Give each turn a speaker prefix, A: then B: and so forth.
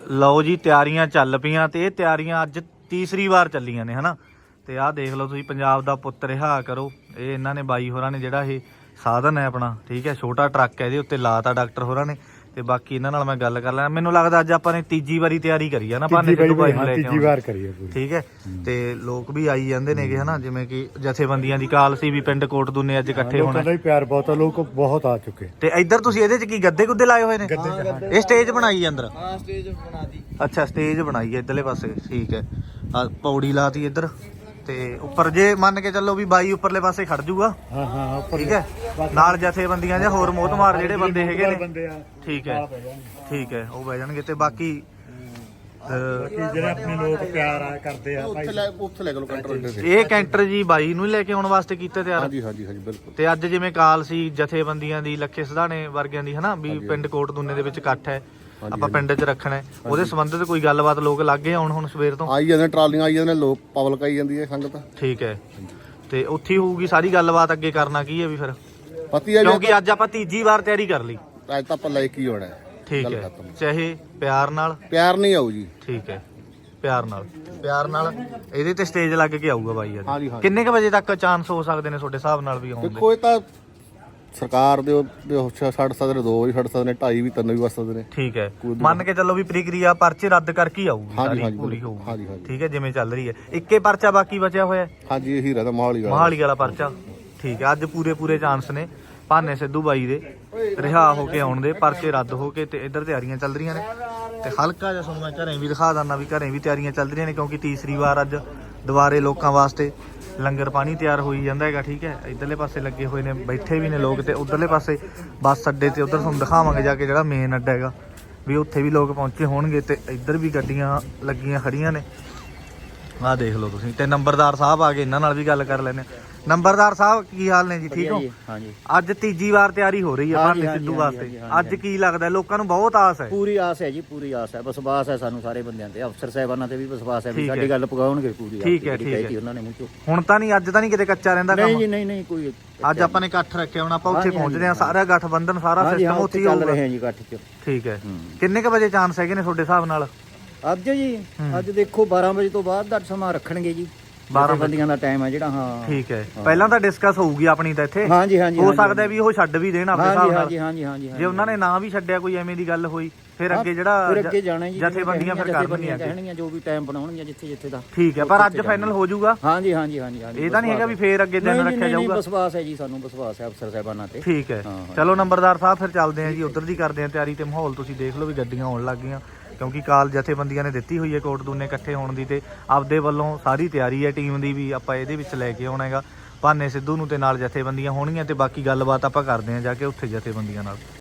A: ਲਓ ਜੀ ਤਿਆਰੀਆਂ ਚੱਲ ਪਈਆਂ ਤੇ ਇਹ ਤਿਆਰੀਆਂ ਅੱਜ ਤੀਸਰੀ ਵਾਰ ਚੱਲੀਆਂ ਨੇ ਹਨਾ। ਤੇ ਆਹ ਦੇਖ ਲਓ ਤੁਸੀਂ, ਪੰਜਾਬ ਦਾ ਪੁੱਤ ਰਿਹਾ ਕਰੋ। ਇਹ ਇਹਨਾਂ ਨੇ ਬਾਈ ਹੋਰਾਂ ਨੇ ਜਿਹੜਾ ਇਹ ਸਾਧਨ ਹੈ ਆਪਣਾ, ਠੀਕ ਹੈ, ਛੋਟਾ ਟਰੱਕ ਹੈ, ਇਹਦੇ ਉੱਤੇ ਲਾਤਾ ਡਾਕਟਰ ਹੋਰਾਂ ਨੇ। ਤੇ ਬਾਕੀ ਇਹਨਾਂ ਨਾਲ ਮੈਂ ਗੱਲ ਕਰ ਲੈਣਾ। ਮੈਨੂੰ ਲੱਗਦਾ ਅੱਜ ਆਪਾਂ ਨੇ ਤੀਜੀ ਵਾਰੀ ਤਿਆਰੀ ਕਰੀ ਆ ਨਾ ਭਾਨੇ ਸਿੱਧੂ ਬਾਈ ਨੂੰ ਲੈ ਕੇ
B: ਤੀਜੀ ਵਾਰ ਕਰੀ ਹੈ ਪੂਰੀ,
A: ਠੀਕ ਹੈ। ਤੇ ਲੋਕ ਵੀ ਆਈ ਜਾਂਦੇ ਨੇਗੇ ਹਨਾ, ਜਿਵੇਂ ਕਿ ਜਥੇਬੰਦੀਆਂ ਦੀ ਕਾਲ ਸੀ ਵੀ ਪਿੰਡ ਕੋਟਦੂਨੇ ਅੱਜ ਇਕੱਠੇ ਹੋਣਾ।
B: ਲੋਕਾਂ ਦਾ ਪਿਆਰ ਬਹੁਤ ਆ, ਲੋਕ ਬਹੁਤ ਆ ਚੁੱਕੇ।
A: ਤੇ ਇੱਧਰ ਤੁਸੀਂ ਇਹਦੇ ਚ ਕੀ ਗੱਦੇ ਗੁੱਦੇ ਲਾਏ ਹੋਏ ਨੇ? ਇਹ ਸਟੇਜ ਬਣਾਈ ਹੈ ਅੰਦਰ?
C: ਹਾਂ ਸਟੇਜ ਬਣਾਤੀ।
A: ਅੱਛਾ ਸਟੇਜ ਬਣਾਈ ਹੈ ਇੱਧਰਲੇ ਪਾਸੇ, ਠੀਕ ਹੈ। ਆ ਪੌੜੀ ਲਾਤੀ ਇੱਧਰ ਤੇ ਉੱਪਰ ਜੇ ਮੰਨ ਕੇ ਚੱਲੋ ਵੀ ਬਾਈ ਉੱਪਰਲੇ ਪਾਸੇ ਖੜ ਜੂਗਾ,
B: ਹਾਂ ਹਾਂ
A: ਠੀਕ ਹੈ। ਨਾਲ ਜਥੇਬੰਦੀਆਂ ਜਾਂ ਹੋਰ ਮੋਹਤਮਾਰ ਜਿਹੜੇ ਬੰਦੇ ਹੈਗੇ ਨੇ,
B: ਬੰਦੇ ਆ,
A: ਠੀਕ ਹੈ ਠੀਕ ਹੈ, ਉਹ ਬਹਿ ਜਾਣਗੇ। ਤੇ ਬਾਕੀ
B: ਜਿਹੜੇ ਆਪਣੇ ਲੋਕ ਪਿਆਰ ਆ ਕਰਦੇ ਆ ਭਾਈ,
C: ਉੱਥੇ ਲੈ ਲਓ ਕੰਟਰੋਲ।
A: ਇਹ ਕੈਂਟਰ ਜੀ ਬਾਈ ਨੂੰ ਲੈ ਕੇ ਆਉਣ ਵਾਸਤੇ ਕੀਤੇ ਤਿਆਰ?
C: ਹਾਂਜੀ ਹਾਂਜੀ ਹਾਂਜੀ ਬਿਲਕੁਲ।
A: ਤੇ ਅੱਜ ਜਿਵੇਂ ਕਾਲ ਸੀ ਜਥੇਬੰਦੀਆਂ ਦੀ, ਲੱਖੇ ਸਿਧਾਣੇ ਵਰਗਿਆਂ ਦੀ ਹਨਾ, ਵੀ ਪਿੰਡ ਕੋਟਦੂਨੇ ਦੇ ਵਿੱਚ ਇਕੱਠ ਹੈ, ਆਪਾਂ ਪਿੰਡ 'ਚ ਰੱਖਣਾ, ਉਹਦੇ ਸੰਬੰਧਿਤ ਕੋਈ ਗੱਲਬਾਤ ਲੋਕ ਲੱਗੇ ਆਉਣ ਹੁਣ ਸਵੇਰ ਤੋਂ?
C: ਆਈ ਜਾਂਦੇ ਟਰਾਲੀਆਂ ਆਈ ਜਾਂਦੇ ਨੇ, ਲੋਕ ਪਬਲਿਕ ਆਈ ਜਾਂਦੀ ਹੈ, ਸੰਗਤ।
A: ਠੀਕ ਹੈ। ਤੇ ਉੱਥੇ ਹੀ ਹੋਊਗੀ ਸਾਰੀ ਗੱਲਬਾਤ। ਅੱਗੇ ਕਰਨਾ ਕੀ ਹੈ ਵੀ ਫਿਰ?
C: ਪਤੀ ਹੈ
A: ਕਿਉਂਕਿ ਅੱਜ ਆਪਾਂ ਤੀਜੀ ਵਾਰ ਤਿਆਰੀ ਕਰ ਲਈ।
C: ਅੱਜ ਤਾਂ ਆਪਾਂ ਲੈ ਕੇ ਹੀ ਹੋਣਾ ਹੈ।
A: ਠੀਕ ਹੈ, ਚਾਹੇ ਪਿਆਰ ਨਾਲ।
C: ਪਿਆਰ ਨਹੀਂ ਆਊ ਜੀ।
A: ਠੀਕ ਹੈ, ਪਿਆਰ ਨਾਲ, ਪਿਆਰ ਨਾਲ ਇਹਦੇ ਤੇ ਸਟੇਜ ਲੱਗ ਕੇ ਆਊਗਾ ਬਾਈ ਅੱਜ।
C: ਹਾਂਜੀ, ਹਾਂਜੀ।
A: ਕਿੰਨੇ ਕ ਵਜੇ ਤੱਕ ਚਾਂਸ ਹੋ ਸਕਦੇ ਨੇ ਤੁਹਾਡੇ ਹਿਸਾਬ ਨਾਲ ਵੀ ਆਉਣ ਦੇ?
C: ਦੇਖੋ ਇਹ ਤਾਂ ਸਰਕਾਰ ਦੇ ਛੱਡ ਸਕਦੇ ਨੇ, 2 ਵਜੇ ਛੱਡ ਸਕਦੇ ਨੇ, 2:30 ਵੀ 3 ਵੀ ਵੱਜ ਸਕਦੇ ਨੇ।
A: ਠੀਕ ਹੈ, ਮੰਨ ਕੇ ਚੱਲੋ ਵੀ ਪ੍ਰਕਿਰਿਆ ਪਰਚੇ ਰੱਦ ਕਰਕੇ ਹੀ ਆਊਗੀ
C: ਹਾਂਜੀ,
A: ਸਾਰੀ
C: ਹਾਂਜੀ,
A: ਪੂਰੀ ਹੋਊਗੀ।
C: ਹਾਂਜੀ, ਹਾਂਜੀ।
A: ਠੀਕ ਹੈ, ਜਿਵੇਂ ਚੱਲ ਰਹੀ ਹੈ। ਇੱਕੇ ਪਰਚਾ ਬਾਕੀ ਬਚਿਆ ਹੋਇਆ?
C: ਹਾਂਜੀ ਇਹੀ ਰਹਿਦਾ
A: ਮੋਹਾਲੀ ਵਾਲਾ ਪਰਚਾ। ਠੀਕ ਹੈ, ਅੱਜ ਪੂਰੇ ਚਾਂਸ ਨੇ ਭਾਨੇ ਸਿੱਧੂ ਬਾਈ ਦੇ ਰਿਹਾ ਹੋ ਕੇ ਆਉਣ ਦੇ, ਪਰਚੇ ਰੱਦ ਹੋ ਕੇ। ਤੇ ਇੱਧਰ ਤਿਆਰੀਆਂ ਚੱਲ ਰਹੀਆਂ ਨੇ। ਤੇ ਹਲਕਾ ਜਿਹਾ ਤੁਹਾਨੂੰ ਮੈਂ ਘਰੇ ਵੀ ਦਿਖਾ ਦਿੰਦਾ ਵੀ ਘਰੇ ਵੀ ਤਿਆਰੀਆਂ ਚੱਲ ਰਹੀਆਂ ਨੇ, ਕਿਉਂਕਿ ਤੀਸਰੀ ਵਾਰ ਅੱਜ ਦੁਬਾਰੇ ਲੋਕਾਂ ਵਾਸਤੇ ਲੰਗਰ ਪਾਣੀ ਤਿਆਰ ਹੋਈ ਜਾਂਦਾ ਹੈਗਾ, ਠੀਕ ਹੈ। ਇੱਧਰਲੇ ਪਾਸੇ ਲੱਗੇ ਹੋਏ ਨੇ, ਬੈਠੇ ਵੀ ਨੇ ਲੋਕ। ਤੇ ਉਧਰਲੇ ਪਾਸੇ ਬੱਸ ਅੱਡੇ ਤੇ ਉਧਰ ਤੁਹਾਨੂੰ ਦਿਖਾਵਾਂਗੇ ਜਾ ਕੇ, ਜਿਹੜਾ ਮੇਨ ਅੱਡਾ ਹੈਗਾ ਵੀ ਉੱਥੇ ਵੀ ਲੋਕ ਪਹੁੰਚੇ ਹੋਣਗੇ। ਤੇ ਇੱਧਰ ਵੀ ਗੱਡੀਆਂ ਲੱਗੀਆਂ ਖੜੀਆਂ ਨੇ, ਆਹ ਦੇਖ ਲਓ ਤੁਸੀਂ। ਤੇ ਨੰਬਰਦਾਰ ਸਾਹਿਬ ਆ ਗਏ, ਇਹਨਾਂ ਨਾਲ ਵੀ ਗੱਲ ਕਰ ਲੈਂਦੇ ਹਾਂ। ਨੰਬਰਦਾਰ ਸਾਹਿਬ ਕੀ ਹਾਲ ਨੇ ਜੀ? ਠੀਕ ਹੋ?
D: ਹਾਂਜੀ।
A: ਅੱਜ ਤੀਜੀ ਵਾਰ ਤਿਆਰੀ ਹੋ ਰਹੀ ਹੈ ਭਾਨੇ ਸਿੱਧੂ ਵਾਸਤੇ। ਅੱਜ ਕੀ ਲੱਗਦਾ ਲੋਕਾਂ ਨੂੰ? ਬਹੁਤ ਆਸ ਹੈ।
D: ਪੂਰੀ ਆਸ ਹੈ ਜੀ, ਪੂਰੀ ਆਸ ਹੈ। ਵਿਸ਼ਵਾਸ ਹੈ ਸਾਨੂੰ ਸਾਰੇ ਬੰਦਿਆਂ ਤੇ, ਅਫਸਰ ਸਾਹਿਬਾਨਾਂ ਤੇ ਵੀ ਵਿਸ਼ਵਾਸ ਹੈ ਵੀ ਸਾਡੀ ਗੱਲ ਪਗਾਉਣਗੇ ਪੂਰੀ।
A: ਠੀਕ ਹੈ,
D: ਠੀਕ ਹੈ। ਉਹਨਾਂ ਨੇ ਮੂੰਹ ਚੋਂ
A: ਹੁਣ ਤਾਂ ਨਹੀਂ, ਅੱਜ ਤਾਂ ਨਹੀਂ ਕਿਤੇ ਕੱਚਾ ਰਹਿੰਦਾ ਕੰਮ?
D: ਨਹੀਂ ਜੀ, ਨਹੀਂ ਕੋਈ।
A: ਅੱਜ ਆਪਾਂ ਨੇ ਇਕੱਠ ਰੱਖਿਆ, ਹੁਣ ਆਪਾਂ ਉੱਥੇ ਪਹੁੰਚਦੇ ਹਾਂ। ਸਾਰਾ ਗਠਬੰਧਨ, ਸਾਰਾ ਸਿਸਟਮ ਉੱਥੇ
D: ਚੱਲ ਰਹੇ ਹਾਂ ਜੀ ਇਕੱਠ ਚ।
A: ਠੀਕ ਹੈ। ਕਿੰਨੇ ਕ ਵਜੇ ਚਾਂਸ ਹੈਗੇ ਨੇ ਤੁਹਾਡੇ ਹਿਸਾਬ ਨਾਲ?
D: ਅੱਜ ਜੀ, ਅੱਜ ਦੇਖੋ 12 ਵਜੇ ਤੋਂ ਬਾਅਦ ਦਾ ਸਮਾਂ ਰੱਖਣਗੇ ਜੀ। 12 ਬੰਦੀਆਂ ਦਾ ਟਾਈਮ ਹੈ ਜਿਹੜਾ। ਹਾਂ ਠੀਕ
A: ਹੈ। ਪਹਿਲਾਂ ਤਾਂ ਡਿਸਕਸ ਹੋਊਗੀ ਆਪਣੀ ਤਾਂ ਇੱਥੇ।
D: ਹਾਂਜੀ ਹਾਂਜੀ।
A: ਹੋ ਸਕਦਾ ਵੀ ਉਹ ਛੱਡ ਵੀ ਦੇਣ ਆਪਣੇ ਹਿਸਾਬ ਨਾਲ।
D: ਹਾਂਜੀ ਹਾਂਜੀ ਹਾਂਜੀ।
A: ਜੇ ਉਹਨਾਂ ਨੇ ਨਾ ਵੀ ਛੱਡਿਆ, ਕੋਈ ਐਵੇਂ ਦੀ ਗੱਲ ਹੋਈ, ਫਿਰ ਅੱਗੇ ਜਿਹੜਾ
D: ਅੱਗੇ ਜਾਣਾ ਜੀ,
A: ਜਥੇਬੰਦੀਆਂ ਫਿਰ ਕਰਨਗੀਆਂ,
D: ਕਹਿਣਗੀਆਂ ਜੋ ਵੀ ਟਾਈਮ ਬਣਾਉਣਗੀਆਂ ਜਿੱਥੇ ਦਾ।
A: ਠੀਕ ਹੈ, ਪਰ ਅੱਜ ਫਾਈਨਲ ਹੋ ਜਾਊਗਾ?
D: ਹਾਂਜੀ ਹਾਂਜੀ।
A: ਇਹ ਤਾਂ ਨਹੀਂ ਹੈਗਾ ਵੀ ਫੇਰ ਅੱਗੇ ਦਿਨ ਰੱਖਿਆ ਜਾਊਗਾ?
D: ਵਿਸ਼ਵਾਸ ਹੈ ਜੀ, ਸਾਨੂੰ ਵਿਸ਼ਵਾਸ ਹੈ ਅਫਸਰ ਸਾਹਿਬਾਨਾਂ ਤੇ।
A: ਠੀਕ ਹੈ, ਚਲੋ ਨੰਬਰਦਾਰ ਸਾਹਿਬ ਫਿਰ ਚੱਲਦੇ ਹਾਂ ਜੀ, ਉਧਰ ਦੀ ਕਰਦੇ ਹਾਂ ਤਿਆਰੀ। ਤੇ ਮਾਹੌਲ ਤੁਸੀਂ ਦੇਖ ਲਓ ਵੀ ਗੱਡੀਆਂ ਆਉਣ ਲੱਗ ਗਈਆਂ, ਕਿਉਂਕਿ ਕਾਲ ਜਥੇਬੰਦੀਆਂ ਨੇ ਦਿੱਤੀ ਹੋਈ ਹੈ ਕੋਟਦੂਨੇ ਇਕੱਠੇ ਹੋਣ ਦੀ। ਤੇ ਆਪਦੇ ਵੱਲੋਂ ਸਾਰੀ ਤਿਆਰੀ ਹੈ ਟੀਮ ਦੀ ਵੀ, ਆਪਾਂ ਇਹਦੇ ਵਿੱਚ ਲੈ ਕੇ ਆਉਣਾ ਹੈਗਾ ਭਾਨੇ ਸਿੱਧੂ ਨੂੰ, ਤੇ ਨਾਲ ਜਥੇਬੰਦੀਆਂ ਹੋਣਗੀਆਂ। ਤੇ ਬਾਕੀ ਗੱਲਬਾਤ ਆਪਾਂ ਕਰਦੇ ਹਾਂ ਜਾ ਕੇ ਉੱਥੇ ਜਥੇਬੰਦੀਆਂ ਨਾਲ।